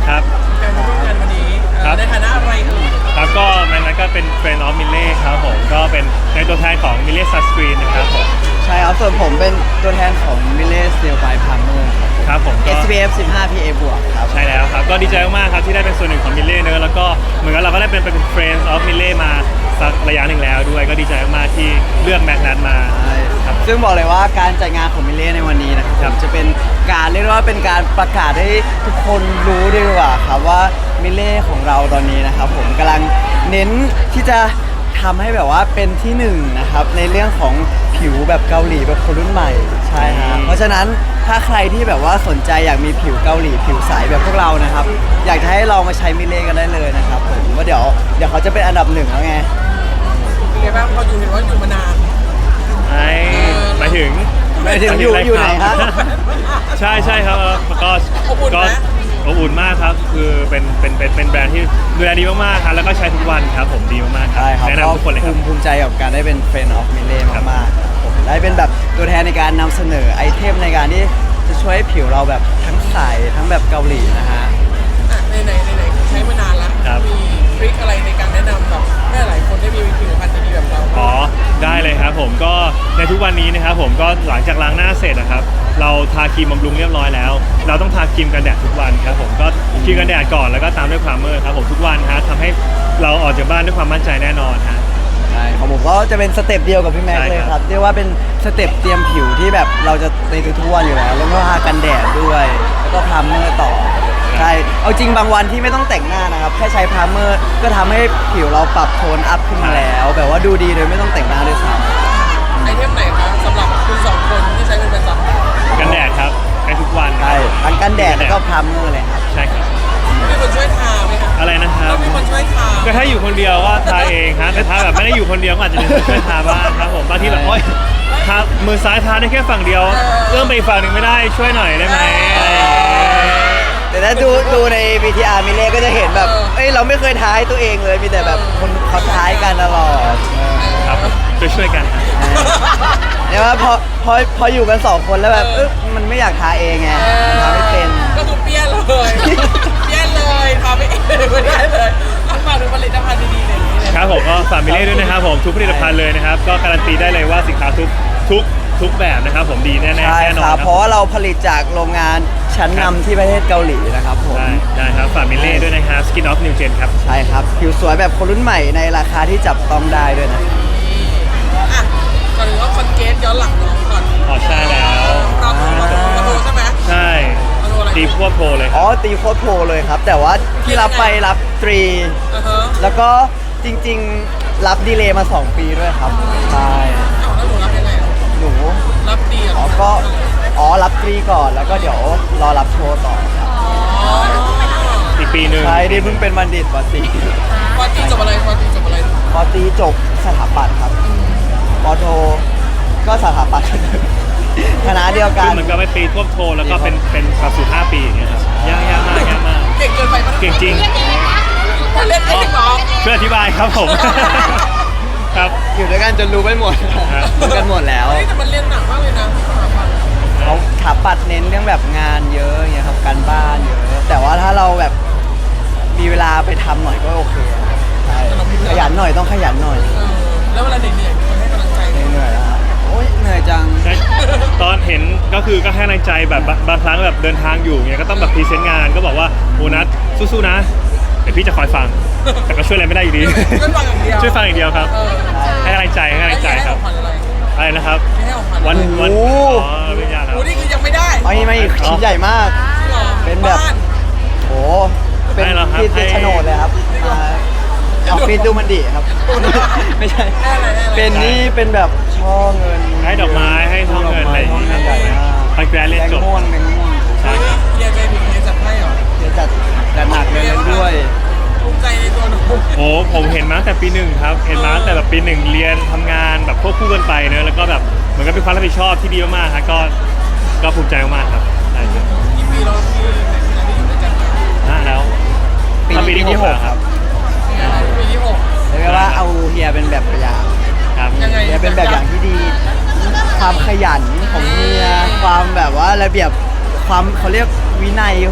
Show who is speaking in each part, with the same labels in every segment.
Speaker 1: ครับ
Speaker 2: การมาร่วมงานวันนี้ในฐานะอะไรเอ่ย
Speaker 1: ครับก็มันนั้นก็เป็นเฟรนด์ออฟมิเล่ครับผมก็เป็นในตัวแทนของมิเล่ซันสกรีนนะครับผม
Speaker 3: ใช่ครับส่วนผมเป็นตัวแทนของมิเลสเตียลไบพาร์เมอร์
Speaker 1: ครับผมก็
Speaker 3: SPF 15 PA บวกครับ
Speaker 1: ใช่แล้วครับก็ดีใจมากๆครับที่ได้เป็นส่วนหนึ่งของมิเล่เนอะแล้วก็เหมือนกับเราก็ได้เป็นเฟรนด์ออฟมิเล่มาสักระยะหนึ่งแล้วด้วยก็ดีใจมากๆที่เลือกแม็กนัทมาครับ
Speaker 3: ซึ่งบอกเลยว่าการจัดงานของมิเลสในวันนี้นะครับจะเป็นการเรียกว่าเป็นการประกาศให้ทุกคนรู้ดีกว่าครับว่ามิเลสของเราตอนนี้นะครับผมกำลังเน้นที่จะทำให้แบบว่าเป็นที่หนึ่งนะครับในเรื่องของผิวแบบเกาหลีแบบคนรุ่นใหม่ใช่ครับเพราะฉะนั้นถ้าใครที่แบบว่าสนใจอยากมีผิวเกาหลีผิวใสแบบพวกเรานะครับอยากจะให้ลองมาใช้มิเลสกันได้เลยนะครับผมว่าเดี๋ยวเขาจะเป็นอันดับหนึ่งแล้วไง
Speaker 2: เป็นไงบ้างพออยู่เห็นว่าอยู่มานาน
Speaker 1: หมายถึง
Speaker 3: อยู่ไหนครับ
Speaker 1: ใช่ครับก็อบอุ่นมากครับคือเป็นแบรนด์ที่ดูแลดีมากๆครับแล้วก็ใช้ทุกวันครับผมดีมากๆครับแนะนำทุกคนเลยครับ
Speaker 3: ภูมิใจกับการได้เป็นเฟรนด์ออฟมิเล่มากๆผมได้เป็นแบบตัวแทนในการนำเสนอไอเทมในการที่จะช่วยให้ผิวเราแบบทั้งใสทั้งแบบเกาหลีนะฮะ
Speaker 2: ไหนใช้มานานแล้วมีทริคอะไรในการแนะนำแบบให้หลายคนได้มีผิวพรรณดีๆแบบเรา
Speaker 1: ได้เลยครับผมก็ในทุกวันนี้นะครับผมก็หลังจากล้างหน้าเสร็จนะครับเราทาครีมบำรุงเรียบร้อยแล้วเราต้องทาครีมกันแดดทุกวันครับผมก็ครีมกันแดดก่อนแล้วก็ตามด้วยไพรเมอร์ครับผมทุกวันฮะทำให้เราออกจากบ้านด้วยความมั่นใจแน่นอนฮะ
Speaker 3: ใช่ของผมก็จะเป็นสเต็ปเดียวกับพี่แม็กเลยครับเรียกว่าเป็นสเต็ปเตรียมผิวที่แบบเราจะในทุกวันอยู่แล้วแล้วก็ทากันแดดด้วยแล้วก็ไพรเมอร์ต่อใช่เอาจริงบางวันที่ไม่ต้องแต่งหน้านะครับแค่ใช้ไพรเมอร์ก็ทำให้ผิวเราปรับโทนอัพขึ้นมาแล้วแบบว่าดูดีโดยไม่ต้องแต่งหน้าด้วยซ้ำ
Speaker 2: ไอเทมไหนครับสำหรับคุณสองคนที่ใช้เป็นประจำ
Speaker 1: กันแดดครับใช้ทุกวัน
Speaker 3: ใช่ทั้งกันแดดแล้วก็ไพรเมอร์เลยครับ
Speaker 1: ใช่ครับ
Speaker 2: มีคนช่วยทาไหมครับ
Speaker 1: อะไรนะครับ
Speaker 2: มีคนช่วยทา
Speaker 1: ก็ถ้าอยู่คนเดียวก็ทาเองฮะแต่ถ้าแบบไม่ได้อยู่คนเดียวก็อาจจะมีคนช่วยทาบ้างครับผมบางทีแบบโอ๊ยทามือซ้ายทาได้แค่ฝั่งเดียวเอื้อมไปอีกฝั่งหนึ่งไม่ได้ช่วยหน่อยได้ไหม
Speaker 3: แต่ถ้าดูใน VTR มิเล่ก็จะเห็นแบบเราไม่เคยท้ายตัวเองเลยมีแต่แบบคนเขาท้ายกันตลอด
Speaker 1: ครับช่วยกัน
Speaker 3: เนี่ยว่าพออยู่กัน2คนแล้วแบบมันไม่อยากท้าเองไงทำไม่เป็น
Speaker 2: ก็คือเปี้ยนเลยทำไม่เองไม่ได้เลยฝากดูผลิตภัณฑ์ดีๆเลย
Speaker 1: ครับผมก็ฝากมิเล่ด้วยนะครับผมทุกผลิตภัณฑ์เลยนะครับก็การันตีได้เลยว่าสินค้าทุกแบบนะครับผมดีแน่ๆแน่นอน
Speaker 3: เพราะว่าเราผลิตจากโรงงานชั้นนำที่ประเทศเกาหลีนะครับผม
Speaker 1: ได้ครับฝากมิเล่ด้วยนะครับ Skin of New Gen ครับ
Speaker 3: ใช่ครับผิวสวยแบบคนรุ่นใหม่ในราคาที่จับต้องได้ด้วยนะ
Speaker 2: ก่อนอื่นว่าคอนเกตย้อนหลังน้องก่อน
Speaker 1: ใช่แล้ว
Speaker 2: เราโทรใช่ไหม
Speaker 1: ใช่ตีโคตรโปรเลย
Speaker 3: ตีโคตรโปรเลยครับแต่ว่าที่รับไปรับตรีแล้วก็จริงๆรับดีเลย์มา2 ปีด้วยครับใช่
Speaker 2: แล้วหนูรับยังไง
Speaker 3: หนู
Speaker 2: รับดี
Speaker 3: ก็รับตรีก่อนแล้วก็เดี๋ยวรอรับโชว์ต่อครับ
Speaker 1: อีกปีนึง
Speaker 3: ใช่ที่เพิ่งเป็นบัณฑิตปตรี
Speaker 2: จบอะไรป
Speaker 3: ตรีจบสถาปัตย์ครับปโทก็สถาปัตย์คณะเดียวกัน
Speaker 1: เหมือนกับไปปีท่วมโทแล้วก็เป็นหลักสูตร5 ปีอย่างเงี้ยครับยากมาก
Speaker 2: เก่งเกินไป
Speaker 1: เก่งจริง
Speaker 2: เล่นได้หรอ
Speaker 1: ช่วยอธิบายครับผมครับ
Speaker 3: อยู่ด้วยกันจนรู้ไปหมดกันหมดแล้ว
Speaker 2: แต่มันเรียนหนักมากเลยนะ
Speaker 3: เขาสถาปัตย์เน้นเรื่องแบบงานเยอะอย่างเงี้ยครับการบ้านเยอะแต่ว่าถ้าเราแบบมีเวลาไปทำหน่อยก็โอเคใช่ขยันหน่อยต้องขยันหน่อย
Speaker 2: แล้วเวลาเหนื่อยมันให้กำลังใจ
Speaker 3: เหนื่อยแล้วโอ๊ยเหนื่อยจัง
Speaker 1: ตอนเห็นก็คือก็ให้กำลังใจแบบบางครั้งแบบเดินทางอยู่เงี้ยก็ต้องแบบพรีเซนต์งานก็บอกว่าโอนัทสู้ๆนะเดี๋ยวพี่จะคอยฟังแต่ก็ช่วยอะไรไม่ได้อยู่ดีช่วยฟังอย่างเดียวครับให้กำลังใจครับอะไรนะครับวันไม่ยากครับ
Speaker 2: นี่คือยังไม่ได้
Speaker 3: ไม่ชิ้นใหญ่มากเป็นแบบโอ้เป็นที่โฉนดเลยครับออฟฟิศดูมันดีครับไม่ใช่เป็นนี่เป็นแบบช่อเงิน
Speaker 1: ให้ดอกไม้ให้ช่อเงินอะไรอย่างเงี้ยไปแกรนเรียนจบ
Speaker 2: ใช่เรียนไปถึงเรียนจัดให้หรอ
Speaker 3: เรียนจัดหนักเลยด้วย
Speaker 2: ภูมิใจในตัวหนู
Speaker 1: ผมเห็นมาตั้งแต่ปี 1ครับเห็นมาตั้งแต่แบบปี 1เรียนทำงานแบบควบคู่กันไปเนอะแล้วก็แบบเหมือนกับเป็นความรับผิดชอบที่ดีมากๆครับก็ภูมิใจมากๆครับใช่ครับ
Speaker 2: กี่ปีเราที่อยู่ด้วยกัน
Speaker 1: แล้ว
Speaker 3: ปีที่6ครับ
Speaker 2: ปีที่6
Speaker 3: เรียกว่าเอาเฮียเป็นแบบอย่าง
Speaker 1: ครับ
Speaker 3: เฮียเป็นแบบอย่างที่ดีความขยันของเฮียความแบบว่าระเบียบความเขาเรียกวินัยของเ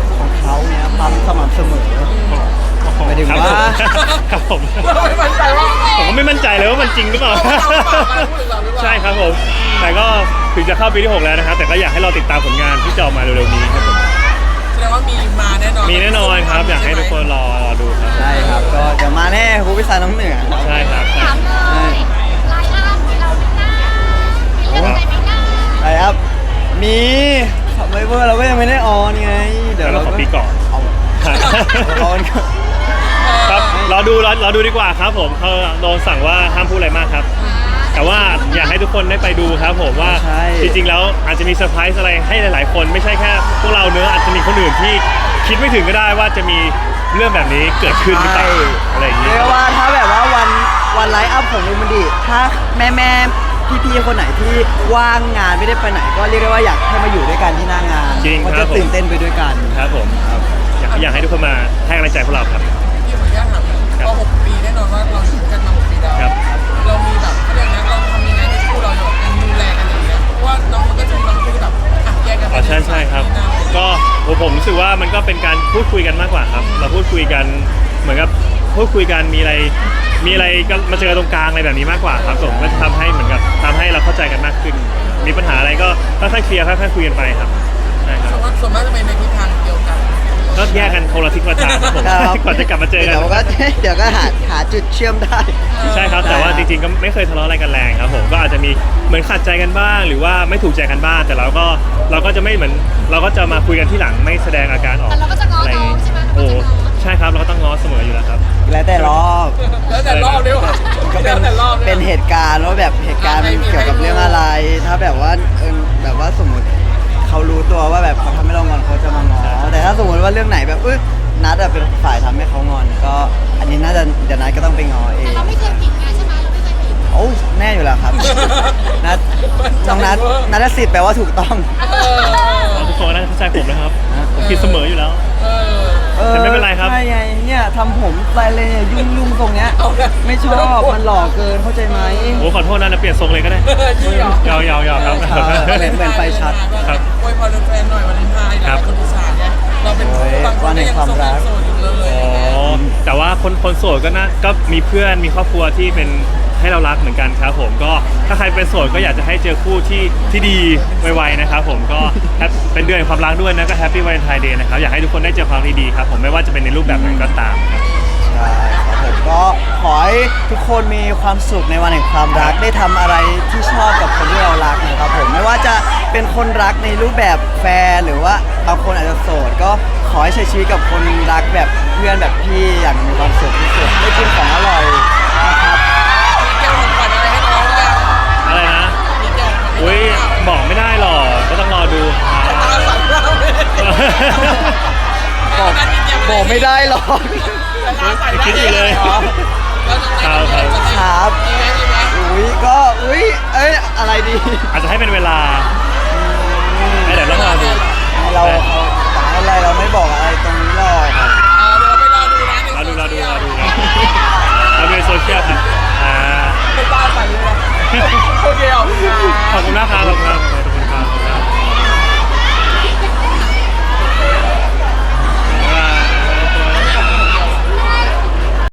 Speaker 3: เขาเนี่ยความสม่ำเสมอ หมายถึงว่า
Speaker 1: ครับผม
Speaker 2: เราไม่มั่นใจว่า
Speaker 1: ผมก็ไม่มั่นใจเลยว่ามันจริงหรือเปล่า ใช่ครับผม แต่ก็ถึงจะเข้าปีที่ 6 แล้วนะครับ แต่ก็อยากให้เราติดตามผลงานที่จะออกมาเร็วๆนี้ครับผม
Speaker 2: แสดงว่ามีมาแน่นอน
Speaker 1: มีแน่นอนครับ อยากให้ทุกคนรอดูครับ
Speaker 3: ใช่ครับก็เดี๋ยวมาแน่ครูพิสารน้องเหนือครับ
Speaker 1: ใช่ครับ
Speaker 4: ถามเลยไลน์อัพเราไม่น่ามีเรื่องอะไรไม่น่า
Speaker 3: ใช่ครับมีขับไวเวอร์เราก็ยังไม่ได้ออนไงเดี๋ยว
Speaker 1: แล้วเราขอปีก่อน
Speaker 3: เอาออนก่อน
Speaker 1: ครับรอดูดีกว่าครับผมเขาโดนสั่งว่าห้ามพูดอะไรมากครับ แต่ว่าอยากให้ทุกคนได้ไปดูครับผมว่า
Speaker 3: ใช่
Speaker 1: จริงๆแล้วอาจจะมีเซอร์ไพรส์อะไรให้หลายๆคนไม่ใช่แค่พวกเราเนื้อะอาจจะมีคนอื่นที่คิดไม่ถึงก็ได้ว่าจะมีเรื่องแบบนี้เกิดขึ้นหรือเปล่าอะไรอย่าง
Speaker 3: เรี
Speaker 1: นี้
Speaker 3: ยกว่าถ้าแบบว่าวันไลฟ์อัพของลูมันดีถ้าแม่พี่ๆคนไหนที่ว่างงานไม่ได้ไปไหน ก็เรียกได้ว่าอยากให้มาอยู่ด้วยกันที่หน้างาน
Speaker 1: จริง
Speaker 3: เพราะ
Speaker 1: ครั
Speaker 3: จะ
Speaker 1: บผม
Speaker 3: ตื่นเต้นไปด้วยกัน
Speaker 1: ครับผมอยากให้ทุกคนมาให้กำลังใจพวกเราครับ
Speaker 2: ที่ผมอยากถามก็6 ปีแน่นอนว่าเราอยู่กันมา6 ปีแล้ว
Speaker 1: ครับ
Speaker 2: เรามีแบบเขาเรียกนะเราทำยังไงให้คู่เราอยู่กันดูแลกันอย่างเงี้ยเพราะว่าน้องมันก็จะมีบางคู่แบบอ่ะแยกกัน
Speaker 1: อ๋อใช่ครับ ก็ผมรู้สึกว่ามันก็เป็นการพูดคุยกันมากกว่าครับ เราพูดคุยกันเหมือนกับพูดคุยกันมีอะไรก็มาเจอตรงกลางอะไรแบบนี้มากกว่าครับผมก็จะทำให้เหมือนกับทำให้เราเข้าใจกันมากขึ้น มีปัญหาอะไรก็ค่อยๆเคลียร์ค่อยๆคุยกันไปครับใช่ครับ
Speaker 2: ส่วนมากจะเป็นในทิศทางเดียวกัน
Speaker 1: ก็แยกกันคนละทิศคนละทางครับผม
Speaker 3: ครับ
Speaker 1: ก่อนจะกลับมาเจอกัน
Speaker 3: เดี๋ยวก็หาจุดเชื่อมได้
Speaker 1: ใช่ครับแต่ว่าจริงๆก็ไม่เคยทะเลาะอะไรกันแรงครับผมก็อาจจะมีเหมือนขัดใจกันบ้าง หรือว่าไม่ถูกใจกันบ้างแต่เราก็จะไม่เหมือนเราก็จะมาคุยกันที่หลังไม่แสดงอาการออก
Speaker 4: แต่เราก็จะง้อ
Speaker 1: อะไร
Speaker 4: น้องใช่ไหม
Speaker 1: โอ้
Speaker 4: เราก็จะง้อ
Speaker 1: ใช่ครับเราก็ต้องง้อเสมออยู่แล้วครับ
Speaker 3: แล้วแต่รอบ
Speaker 2: แล้วแต่รอบด้วยว่ะ
Speaker 3: ก็เป็น
Speaker 2: แล้วแต่รอบด้วย
Speaker 3: เป็นเหตุการณ์ว่าแบบเหตุการณ์มันเกี่ยวกับเรื่องอะไร ถ้าแบบว่าแบบว่าสมมติเขารู้ตัวว่าแบบเขาทำให้เรางอนเขาจะมาง้อแต่ถ้าสมมติว่าเรื่องไหนแบบนัดอะเป็นฝ่ายทำให้เขางอน ก็อันนี้น่าจะเดี๋ยวนัดก็ต้องไปง้อเอ
Speaker 4: แต่
Speaker 3: ง
Speaker 4: เราไม่เคยผิดไงใช่ไหมเราไม่เคยผิด
Speaker 3: โอ้แน่อยู่แล้วครับ นัดน้องนัดสิทธิ์แปลว่าถูกต้อง
Speaker 1: ทุกคนน่าจะเข้าใจผมนะครับ ผมคิดเสมออยู่แล้ว
Speaker 2: เออ
Speaker 1: แต่ไม่เป็นไรครับ
Speaker 3: ใช่ไงเนี่ยทำผมไปเลยเนี่ยยุ่งตรงเนี้ย
Speaker 2: เอาละ
Speaker 3: ไม่ชอบมันหล่อเกินเข้าใจไหม
Speaker 1: โอ้ขอโทษนะเปลี่ยนทรงเลยก็ได้
Speaker 2: จริงเหรอย
Speaker 1: าวๆครับ
Speaker 3: เหมือนไฟชัด
Speaker 1: ครับ
Speaker 2: อวยพรแฟนๆหน่อยวันเลนไทน์
Speaker 1: ครับ
Speaker 2: คนอีสานเนี่ยเราเป็น
Speaker 3: โอ้ย
Speaker 2: บางคนก็ยังโสดอยู่เลย
Speaker 1: อ๋อแต่ว่าคนโสดก็มีเพื่อนมีครอบครัวที่เป็นให้เรารักเหมือนกันครับผมก็ถ้าใครเป็นโสดก็อยากจะให้เจอคู่ที่ดีไวๆนะครับผมก็เป็นเดือนแห่งความรักด้วยนะก็แฮปปี้วาเลนไทน์เดย์นะครับอยากให้ทุกคนได้เจอความดีๆครับผมไม่ว่าจะเป็นในรูปแบบไหนก็ตามครับ
Speaker 3: ใช่ครับผมก็ขอให้ทุกคนมีความสุขในวันแห่งความรักได้ทำอะไรที่ชอบกับคนที่เรารักนะครับผมไม่ว่าจะเป็นคนรักในรูปแบบแฟนหรือว่าบางคนอาจจะโสดก็ขอให้ใช้ชีวิตกับคนรักแบบเพื่อนแบบพี่อย่างมีความสุขที่สุดได้กินของอร่อยนะครับ
Speaker 2: แก้วของขวัญอะไรให้น้องยัง
Speaker 1: อะไรนะ
Speaker 2: มีแก้วของขวัญ
Speaker 1: อุ้ยบอกไม่ได้หรอกก็ต้องรอดูครับ
Speaker 2: ตาสั่นมากเลย
Speaker 3: บอกไม่ได้หรอก
Speaker 1: คิดอยู่เลย
Speaker 2: แล้วน้อง
Speaker 3: ครับ
Speaker 2: มีไหมมีไหม
Speaker 3: อะไรดี
Speaker 1: อาจจะให้เป็นเวลาให้เดี๋ยวต้องรอดู
Speaker 3: เราอะไรเราไม่บอกอะไรตรงนี้หรอก
Speaker 2: เดี๋ยวเราไปรอดูนะ
Speaker 1: รอดูครับเราดูในโซเชียลครับ
Speaker 2: เป็นตาสั่นเลยนะโอเคขอบคุณครับ
Speaker 1: ขอบคุณมากครับ